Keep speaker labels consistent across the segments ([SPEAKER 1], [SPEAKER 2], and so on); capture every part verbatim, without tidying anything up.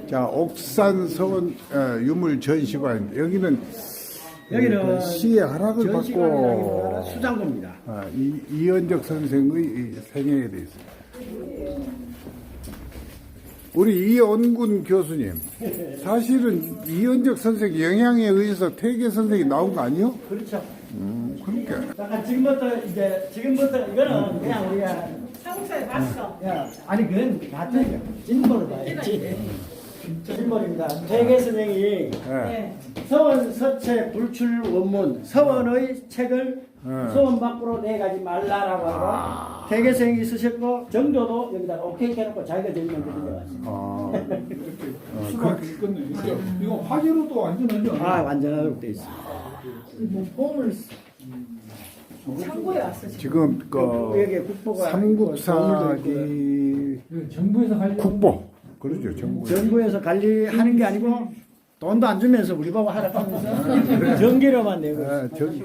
[SPEAKER 1] 자, 옥산 서원 어, 유물 전시관 여기는
[SPEAKER 2] 여기는
[SPEAKER 1] 그 시의 허락을
[SPEAKER 2] 전시관이라기보다는
[SPEAKER 1] 받고
[SPEAKER 2] 수장고입니다.
[SPEAKER 1] 어, 이, 이현적 선생의 이 생애에 대해서 우리 이원군 교수님 사실은 이현적 선생 영향에 의해서 퇴계 선생이 나온 거 아니요?
[SPEAKER 2] 그렇죠.
[SPEAKER 1] 음, 그러니까
[SPEAKER 2] 잠깐 지금부터 이제 지금부터 이거는 그냥 우리가
[SPEAKER 3] 한국사에 봤어.
[SPEAKER 2] 야 아니 그건 같은 진보를 봐야지. 진보입니다. 퇴계 선생이
[SPEAKER 1] 예.
[SPEAKER 3] 네.
[SPEAKER 2] 서원 서체 불출 원문 서원의 책을
[SPEAKER 1] 네.
[SPEAKER 2] 서원 밖으로 내가지 말라라고 하고 퇴계 선생이 쓰셨고 정조도 여기다 오케이 해놓고 자기가 제일 먼저 들려왔어요.
[SPEAKER 1] 아,
[SPEAKER 4] 수가 있겠네. 이거, 이거 화재로도 완전하지 않아?
[SPEAKER 2] 아 완전하도록 돼 있어.
[SPEAKER 3] 뭐 보물 창고에 왔어 지금.
[SPEAKER 1] 지금 그
[SPEAKER 2] 여기 국보가 있고 도물도
[SPEAKER 1] 삼국사기
[SPEAKER 4] 이거 정부에서 관리.
[SPEAKER 1] 국보 그러죠 정부.
[SPEAKER 2] 정부에서 관리하는 게 아니고 돈도 안 주면서 우리 보고 하라면서 전기료만 내고 있어.
[SPEAKER 1] 아, 저기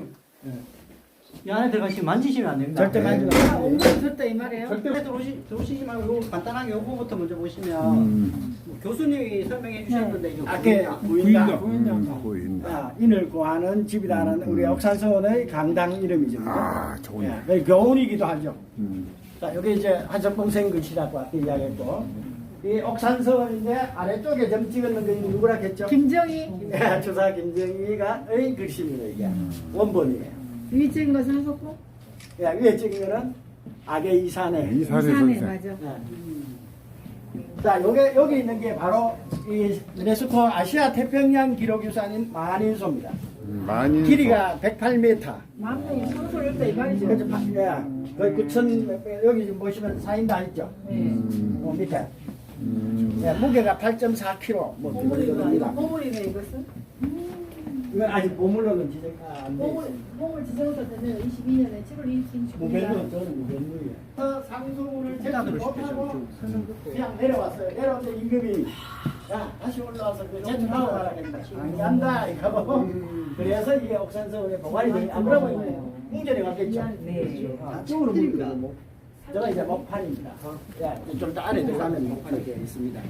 [SPEAKER 5] 이 안에 들어가시면 만지시면 안 됩니다.
[SPEAKER 2] 절대 만지면
[SPEAKER 3] 아,
[SPEAKER 2] 안 돼.
[SPEAKER 3] 옥문 줬다 이 말이에요.
[SPEAKER 5] 절대 들어오시, 들어오시지 말고 요거 간단하게 요거부터 먼저 보시면
[SPEAKER 1] 음,
[SPEAKER 5] 뭐 교수님이 설명해 주셨는데 이거
[SPEAKER 2] 아게
[SPEAKER 5] 보인다.
[SPEAKER 2] 부인다.
[SPEAKER 1] 음, 보인다.
[SPEAKER 2] 아, 인을 구하는 집이라는 우리 옥산서원의 강당 이름이죠.
[SPEAKER 1] 아, 좋네.
[SPEAKER 2] 예, 여기 교훈이기도 하죠.
[SPEAKER 1] 음,
[SPEAKER 2] 자, 여기 이제 한석봉생 글씨라고 아까 이야기했고, 이 옥산서원인데 아래쪽에 점 찍었는 게 누구라 했죠?
[SPEAKER 3] 김정희
[SPEAKER 2] 예, 주사 김정희가의 글씨입니다, 이게. 원본이에요.
[SPEAKER 3] 위 찍은 것은 하셨고
[SPEAKER 2] 예, 위에 찍은 거는 악의 이산에.
[SPEAKER 1] 이산의
[SPEAKER 3] 부산에
[SPEAKER 1] 선생.
[SPEAKER 3] 맞아.
[SPEAKER 2] 예. 자, 요게, 여기 있는 게 바로 이 유네스코 아시아 태평양 기록유산인 만인소입니다.
[SPEAKER 1] 음, 많이
[SPEAKER 2] 길이가 백팔 미터.
[SPEAKER 3] 만 명이 상소를 했다 이 말이죠.
[SPEAKER 2] 그래서 바- 예, 거의 구천 여기 지금 보시면 사인 다 있죠.
[SPEAKER 1] 음,
[SPEAKER 2] 어, 밑에.
[SPEAKER 1] 음,
[SPEAKER 2] 예, 무게가 팔 점 사 킬로그램 뭐
[SPEAKER 3] 보물이가
[SPEAKER 2] 됩니다.
[SPEAKER 3] 보물이네 이것은.
[SPEAKER 2] 이건 아직 보물로는 지적 안 돼.
[SPEAKER 3] 보물 보물 지정서 때문에 이십이 년에 칠월 이십칠
[SPEAKER 2] 무별로 저는 무별로예요. 그 상소문을 제가 못하고 그냥 내려왔어요. 내려왔는데 임금이 야 다시 올라와서 그 제출하고 가라 했다. 안 간다 이거. 그래서 이게 옥산서울에 보관이 되니 안 그러면 홍전에 갔겠죠.
[SPEAKER 3] 네.
[SPEAKER 2] 안쪽으로 보니까 저가 이제 목판입니다. 야, 좀 더 안에 들어가면 목판이 되어 있습니다.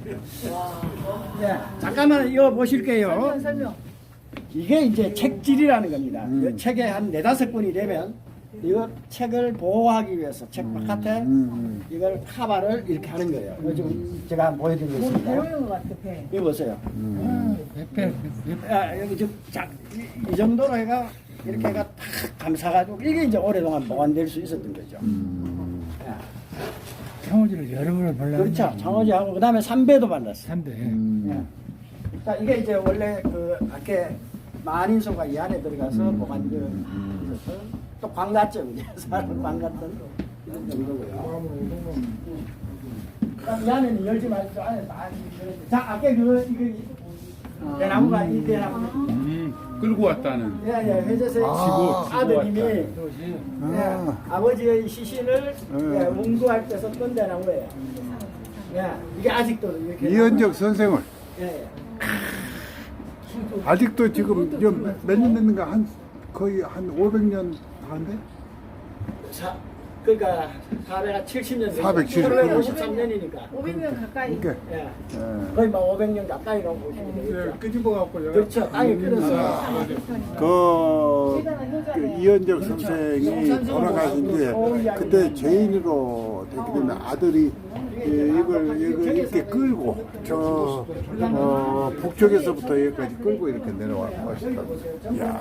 [SPEAKER 2] 네, 잠깐만 이거 보실게요.
[SPEAKER 3] 설명 설명.
[SPEAKER 2] 이게 이제 책질이라는 겁니다.
[SPEAKER 1] 음.
[SPEAKER 2] 이 책에 한 네다섯 권이 되면 이거 책을 보호하기 위해서 책 바깥에
[SPEAKER 1] 음,
[SPEAKER 2] 이걸 카바를 이렇게 하는 거예요. 이거 지금 제가 한번
[SPEAKER 3] 뭐
[SPEAKER 2] 보여드리겠습니다.
[SPEAKER 3] 배우는 것 같아 배.
[SPEAKER 2] 이거 보세요.
[SPEAKER 1] 음,
[SPEAKER 2] 아, 여기 지금 자, 이, 이 정도로 해가 이렇게 해가 탁 감싸가지고 이게 이제 오랫동안 보관될 수 있었던 거죠.
[SPEAKER 1] 음,
[SPEAKER 2] 야,
[SPEAKER 4] 창호지를 여러 번을 발라.
[SPEAKER 2] 그렇죠. 장어지하고 그다음에 삼배도 발랐어요.
[SPEAKER 4] 삼대.
[SPEAKER 1] 음,
[SPEAKER 2] 예. 자, 이게 이제 원래 그 밖에 만인소가 이 안에 들어가서
[SPEAKER 1] 음,
[SPEAKER 2] 보관되어
[SPEAKER 1] 음.
[SPEAKER 2] 있어서 또 광갔죠, 이제 사람 광갔던 이런 정도고요. 그다음 이 안에는 열지 말고 안에 많이 들어있어요. 자, 아까 그 이거 대나무가 이 대나무.
[SPEAKER 4] 음, 끌고 왔다는.
[SPEAKER 2] 예, 예, 회재생
[SPEAKER 1] 아,
[SPEAKER 2] 아드님이 예,
[SPEAKER 1] 아,
[SPEAKER 2] 아버지의 시신을
[SPEAKER 1] 음.
[SPEAKER 2] 예, 문구할 때 썼던 대나무예요. 예, 이게 아직도 이렇게
[SPEAKER 1] 이현적 선생을
[SPEAKER 2] 예, 예.
[SPEAKER 1] 아직도 지금 몇 년 됐는가 한 거의 한 오백 년 한데
[SPEAKER 2] 사, 그러니까 사백칠십 년
[SPEAKER 1] 사백칠십.
[SPEAKER 2] 칠백오십삼 년이니까
[SPEAKER 3] 오백 명 가까이.
[SPEAKER 1] 이게
[SPEAKER 2] 예,
[SPEAKER 1] 예.
[SPEAKER 2] 거의 막 오백 년 가까이라고 보시면 되겠죠.
[SPEAKER 4] 끄집어 갖고 내가.
[SPEAKER 2] 그렇죠. 땅에 끌어서
[SPEAKER 1] 그,
[SPEAKER 3] 대단한
[SPEAKER 1] 그
[SPEAKER 3] 효자네.
[SPEAKER 1] 이현적 선생이 돌아가신 뒤에 그때 죄인으로 됐기 때문에 아들이 예, 이걸, 이걸 이렇게 끌고 저 어, 북쪽에서부터 여기까지 끌고 이렇게 내려왔고 하셨다. 야,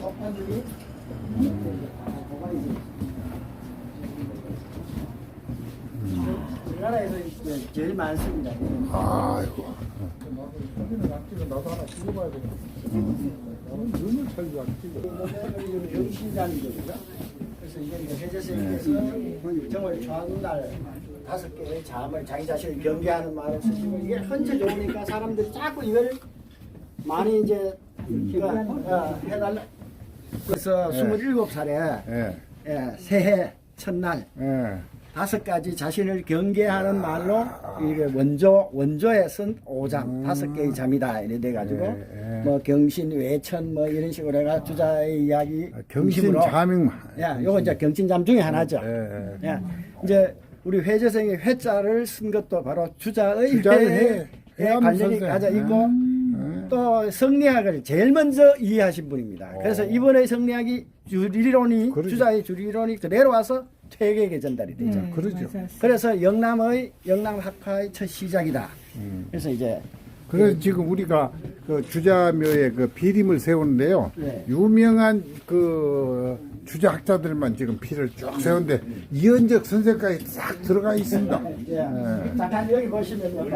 [SPEAKER 2] 우리나라에서 제일 많습니다.
[SPEAKER 1] 아이고.
[SPEAKER 4] 사진을 안 찍어 나도 하나 찍어봐야 되겠다. 눈을 차지도 안 찍어.
[SPEAKER 2] 영신장이거든요. 그래서 이게 이제 해제생께서 정월 전날 다섯 개의 잠을 자기 자신을 경계하는 말을 쓰시고 이게 헌체 좋으니까 사람들이 자꾸 이걸 많이 이제 그, 어, 해달라. 그래서
[SPEAKER 1] 예.
[SPEAKER 2] 스물일곱 살에
[SPEAKER 1] 예,
[SPEAKER 2] 예, 새해 첫날
[SPEAKER 1] 예.
[SPEAKER 2] 다섯 가지 자신을 경계하는 말로 이게 원조 원조에 쓴 오장 다섯 개의 잠이다 이래 돼 가지고
[SPEAKER 1] 예, 예.
[SPEAKER 2] 뭐 경신 외천 뭐 이런 식으로 해가 주자의 이야기
[SPEAKER 1] 경신
[SPEAKER 2] 중심으로
[SPEAKER 1] 자명만.
[SPEAKER 2] 야, 요거 이제 경신잠 중에 하나죠.
[SPEAKER 1] 예, 예.
[SPEAKER 2] 야, 이제 우리 회재생이 회자를 쓴 것도 바로 주자의
[SPEAKER 1] 주자의
[SPEAKER 2] 회,
[SPEAKER 1] 회. 해암
[SPEAKER 2] 관련이
[SPEAKER 1] 선생.
[SPEAKER 2] 가져 있고
[SPEAKER 1] 음.
[SPEAKER 2] 또 성리학을 제일 먼저 이해하신 분입니다. 그래서 이번에 성리학이 주리론이
[SPEAKER 1] 그러죠.
[SPEAKER 2] 주자의 주리론이 그대로 와서 퇴계에게 전달이 되죠.
[SPEAKER 3] 네,
[SPEAKER 1] 그러죠.
[SPEAKER 3] 맞아요.
[SPEAKER 2] 그래서 영남의 영남학파의 첫 시작이다.
[SPEAKER 1] 음.
[SPEAKER 2] 그래서 이제
[SPEAKER 1] 그래서 지금 우리가 그 주자묘에 그 비림을 세우는데요.
[SPEAKER 2] 네.
[SPEAKER 1] 유명한 그 주자학자들만 지금 피를 쭉 세우는데 이현적 선생까지 싹 들어가 있습니다.
[SPEAKER 2] 예.
[SPEAKER 1] 예.
[SPEAKER 2] 잠깐 여기 보시면요.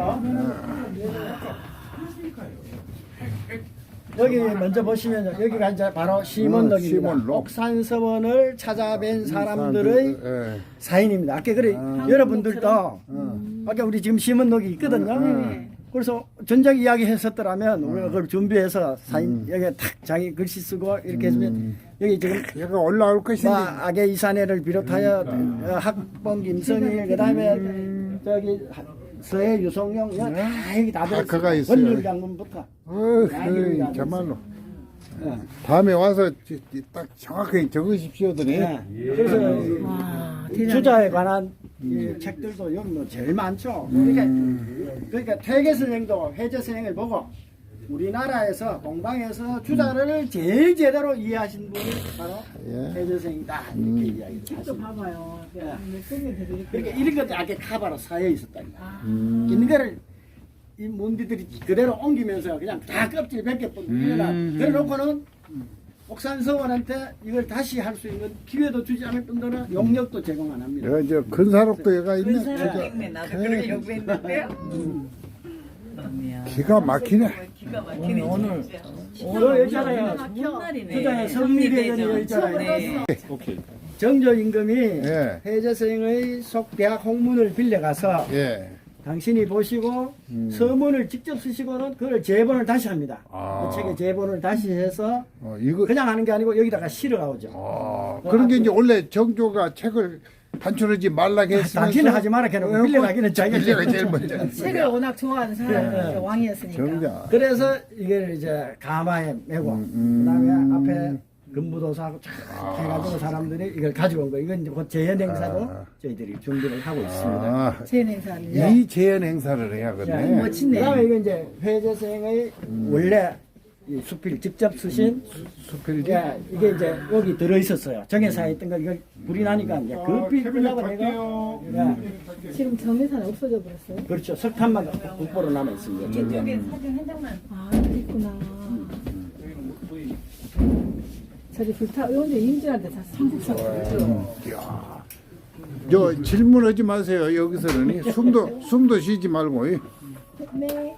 [SPEAKER 2] 여기 먼저 보시면 여기가 이제 바로 시몬록입니다.
[SPEAKER 1] 어, 시몬록.
[SPEAKER 2] 옥산서원을 찾아뵌 사람들의
[SPEAKER 1] 예.
[SPEAKER 2] 사인입니다. 아까 그래 여러분들도 아까 우리 지금 시몬록이 있거든요.
[SPEAKER 3] 네.
[SPEAKER 2] 그래서 전작 이야기 했었더라면 우리가 그걸 준비해서 사인 여기에 탁 자기 글씨 쓰고 이렇게 했으면 여기 지금
[SPEAKER 1] 얘가 올라올 것인데
[SPEAKER 2] 뭐 악의 이산해를 비롯하여 어, 학봉 김성일 그다음에 저기 하- 서해 유성룡 이거 다 여기 다
[SPEAKER 1] 다 그가
[SPEAKER 2] 들어있어요.
[SPEAKER 1] 있어요.
[SPEAKER 2] 원률 장군부터.
[SPEAKER 1] 어,
[SPEAKER 2] 야,
[SPEAKER 1] 그,
[SPEAKER 2] 이거
[SPEAKER 1] 정말로
[SPEAKER 2] 예.
[SPEAKER 1] 다음에 와서 지- 지- 딱 정확하게 적으십시오더니
[SPEAKER 2] 예. 그래서
[SPEAKER 3] 와,
[SPEAKER 2] 이
[SPEAKER 3] 대단하다.
[SPEAKER 2] 주자에 관한 이 책들도 여기 뭐 제일 많죠. 그러니까, 그러니까 퇴계 선생도 회제 선생을 보고 우리나라에서 동방에서 주자를 제일 제대로 이해하신 분이 바로
[SPEAKER 1] 예.
[SPEAKER 2] 회제 선생이다 이렇게 이야기를
[SPEAKER 3] 또
[SPEAKER 2] 하십니다.
[SPEAKER 3] 봐봐요.
[SPEAKER 2] 예.
[SPEAKER 3] 몇 개를 드릴게요.
[SPEAKER 2] 그러니까 이런 것도 아까 카바로 쌓여 있었다니까.
[SPEAKER 3] 아,
[SPEAKER 2] 있는 거를 이 문디들이 그대로 옮기면서 그냥 다 껍질 벗겨뿐 일어나 그래 놓고는 옥산서원한테 이걸 다시 할 수 있는 기회도 주지 않을 뿐더러 용역도 제공 안 합니다.
[SPEAKER 1] 여기 이제 근사록도 얘가 있네.
[SPEAKER 6] 근사록
[SPEAKER 1] 진짜.
[SPEAKER 6] 있네. 나도 그렇게 요구했는데요.
[SPEAKER 1] 기가 막히네.
[SPEAKER 6] 기가 막히네. 오늘
[SPEAKER 2] 저 있잖아요.
[SPEAKER 6] 첫날이네.
[SPEAKER 2] 주자의 성리대전이 있잖아요.
[SPEAKER 6] 네.
[SPEAKER 2] 정조 임금이
[SPEAKER 1] 예.
[SPEAKER 2] 회제생의 속대학 홍문을 빌려가서
[SPEAKER 1] 예.
[SPEAKER 2] 당신이 보시고
[SPEAKER 1] 음.
[SPEAKER 2] 서문을 직접 쓰시고는 그걸 제본을 다시 합니다.
[SPEAKER 1] 아.
[SPEAKER 2] 그 책의 제본을 다시 해서
[SPEAKER 1] 어, 이거
[SPEAKER 2] 그냥 하는 게 아니고 여기다가 실어가오죠.
[SPEAKER 1] 아, 그런 게 이제 원래 정조가 책을 단출하지 말라고 했으면서
[SPEAKER 2] 당신은 하지 마라 해놓고
[SPEAKER 1] 어,
[SPEAKER 2] 빌려가기는 자기가
[SPEAKER 1] 빌려가 제일 먼저.
[SPEAKER 3] 책을 워낙 좋아하는 사람이
[SPEAKER 2] 네.
[SPEAKER 3] 왕이었으니까.
[SPEAKER 1] 정자.
[SPEAKER 2] 그래서 이걸 이제 가마에 메고
[SPEAKER 1] 음, 음.
[SPEAKER 2] 그다음에 앞에 금부도사하고 쫙 해가지고 사람들이 이걸 가지고 온 거예요. 이건 이제 곧 재현 행사도
[SPEAKER 1] 아.
[SPEAKER 2] 저희들이 준비를 하고 있습니다.
[SPEAKER 1] 아,
[SPEAKER 3] 제 행사는
[SPEAKER 2] 예.
[SPEAKER 1] 이 재현 행사를
[SPEAKER 2] 자,
[SPEAKER 1] 해야겠네.
[SPEAKER 3] 멋지네.
[SPEAKER 2] 그다음에 이건 이제 회제생의 원래 이 수필 직접 쓰신
[SPEAKER 1] 수필지.
[SPEAKER 2] 예, 이게 이제 여기 들어 있었어요. 정해사에 있던 거 이거 불이 나니까 이제 급히 끌려고 내가 예,
[SPEAKER 3] 지금 정리사는 없어져 버렸어요.
[SPEAKER 2] 그렇죠. 석탄만 국보로 남아 있습니다.
[SPEAKER 6] 이쪽에 사진 한 장만.
[SPEAKER 3] 아, 있구나. 저기 불타 의원들 임진한테 다 삼국사
[SPEAKER 1] 이야. 저 질문하지 마세요. 여기서는 숨도 숨도 쉬지 말고. 이.
[SPEAKER 3] 네.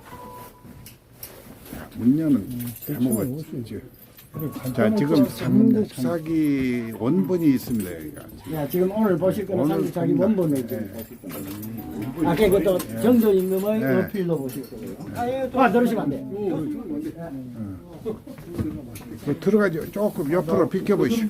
[SPEAKER 1] 문녀는 잘먹었지. 자, 지금 삼국사기 원본이 있습니다. 여기가.
[SPEAKER 2] 야, 지금 오늘 보실 거는
[SPEAKER 1] 오늘
[SPEAKER 2] 삼국사기
[SPEAKER 1] 봅니다.
[SPEAKER 2] 원본을 지금 보실 거예요. 아까 그것도 정조 임금의
[SPEAKER 1] 네.
[SPEAKER 2] 어필로 보실 거예요. 아, 들으시면 안 돼.
[SPEAKER 1] 그 들어가죠. 조금 옆으로 비켜보시오.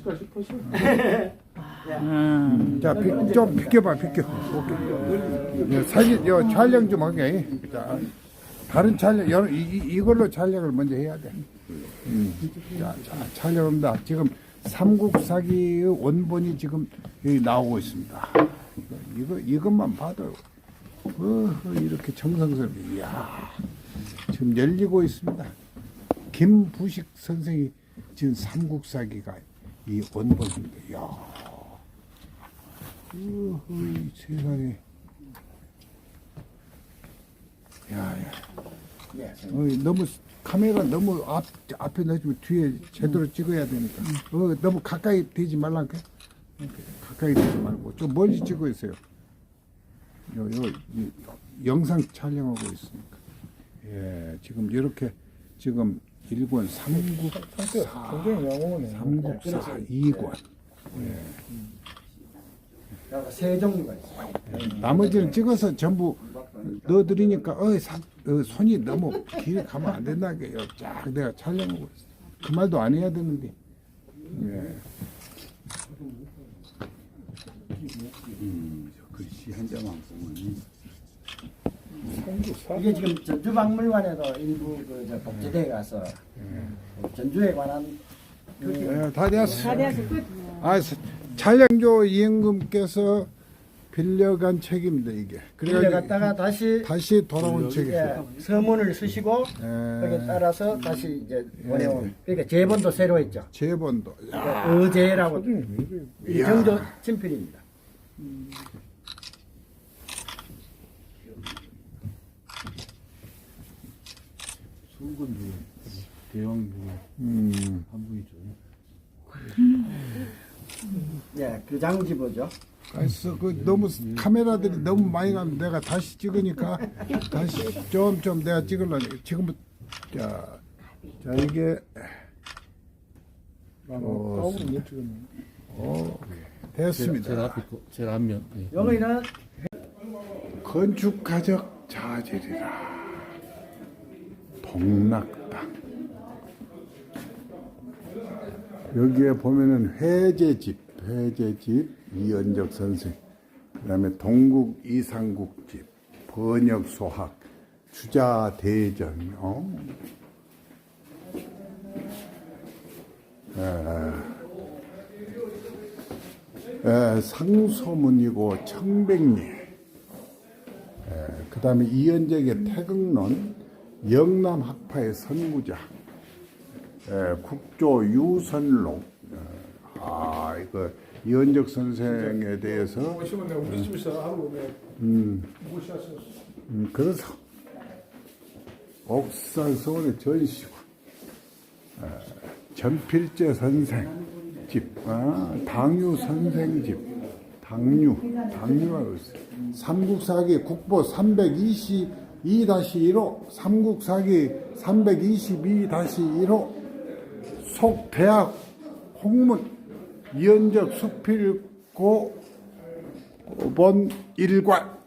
[SPEAKER 1] 자, 비, 좀 비켜봐, 비켜. 오케이. 예, 사진, 요 촬영 좀 하게. 자, 다른 촬영, 여러, 이, 이- 이걸로 촬영을 먼저 해야 돼. 음. 자, 자, 촬영합니다. 지금 삼국사기의 원본이 지금 여기 나오고 있습니다. 이거, 이것만 봐도, 어, 이렇게 정성스럽게, 이야, 지금 열리고 있습니다. 김부식 선생이 지금 삼국사기가 이 원본인데, 이야, 어허, 세상에, 야, 야. 어, 너무 카메라 너무 앞 앞에 넣으면 뒤에 제대로 찍어야 되니까. 어, 너무 가까이 되지 말라니까. 가까이 되지 말고 좀 멀리 찍고 있어요. 요, 요, 이, 영상 촬영하고 있으니까. 예, 지금 이렇게 지금 일 권 삼국사,
[SPEAKER 4] 굉장히 영혼이네.
[SPEAKER 1] 삼국사 이 권.
[SPEAKER 2] 세 종류가 있어요.
[SPEAKER 1] 나머지를 찍어서 전부 넣어드리니까 어, 사, 어, 손이 너무 길 가면 안 된다게요. 쫙 내가 촬영하고 있어. 그 말도 안 해야 되는데. 예. 음, 저 글씨 한 장만 보면
[SPEAKER 2] 이게 지금 전주박물관에도 일부 그저 복제대에 가서 전주에 관한
[SPEAKER 1] 예, 다 되었어.
[SPEAKER 3] 다리아서 끝.
[SPEAKER 1] 아, 사- 촬영조 이행금께서 빌려간 책입니다 이게.
[SPEAKER 2] 빌려갔다가 다시
[SPEAKER 1] 다시 돌아온 책이.
[SPEAKER 2] 예, 서문을 쓰시고
[SPEAKER 1] 예.
[SPEAKER 2] 거기에 따라서 다시 이제 보내온. 그러니까 제본도 새로 했죠.
[SPEAKER 1] 제본도. 야.
[SPEAKER 2] 어제라고
[SPEAKER 1] 이야.
[SPEAKER 2] 정조 친필입니다.
[SPEAKER 7] 수군 중에 대왕 중에
[SPEAKER 1] 음.
[SPEAKER 7] 한 분이죠.
[SPEAKER 2] 예, 그 장지보죠.
[SPEAKER 1] 그래서 그 너무 카메라들이 너무 많이 가면 내가 다시 찍으니까 다시 좀 좀 내가 찍으려니 지금부터 자, 자 이게
[SPEAKER 4] 나는 따오를 못 찍었네.
[SPEAKER 1] 어,
[SPEAKER 7] 제일
[SPEAKER 1] 됐습니다.
[SPEAKER 7] 앞에 거, 제일 앞면. 예.
[SPEAKER 2] 여기는
[SPEAKER 1] 건축가적 자질이라 동락당 여기에 보면은 회제집 회제집 이연적 선생 그 다음에 동국 이상국집 번역 소학 주자 대전 어? 에, 에, 상소문이고 청백리 그 다음에 이연적의 태극론, 영남 학파의 선구자, 에, 국조 유선록. 아, 이거 이연적 선생에 대해서
[SPEAKER 4] 오시면 내가 우리 집에서 하루 내가
[SPEAKER 1] 음,
[SPEAKER 4] 모시았어.
[SPEAKER 1] 음, 그래서 옥산 서울의 전시고 에, 전필재 선생 집, 아, 당유 선생 집, 당유, 당유가 있어요. 삼국사기 국보 삼백이십이 다시 일호, 삼국사기 삼백이십이 다시 일호, 속대학 홍문, 이연적 수필고 본 일관.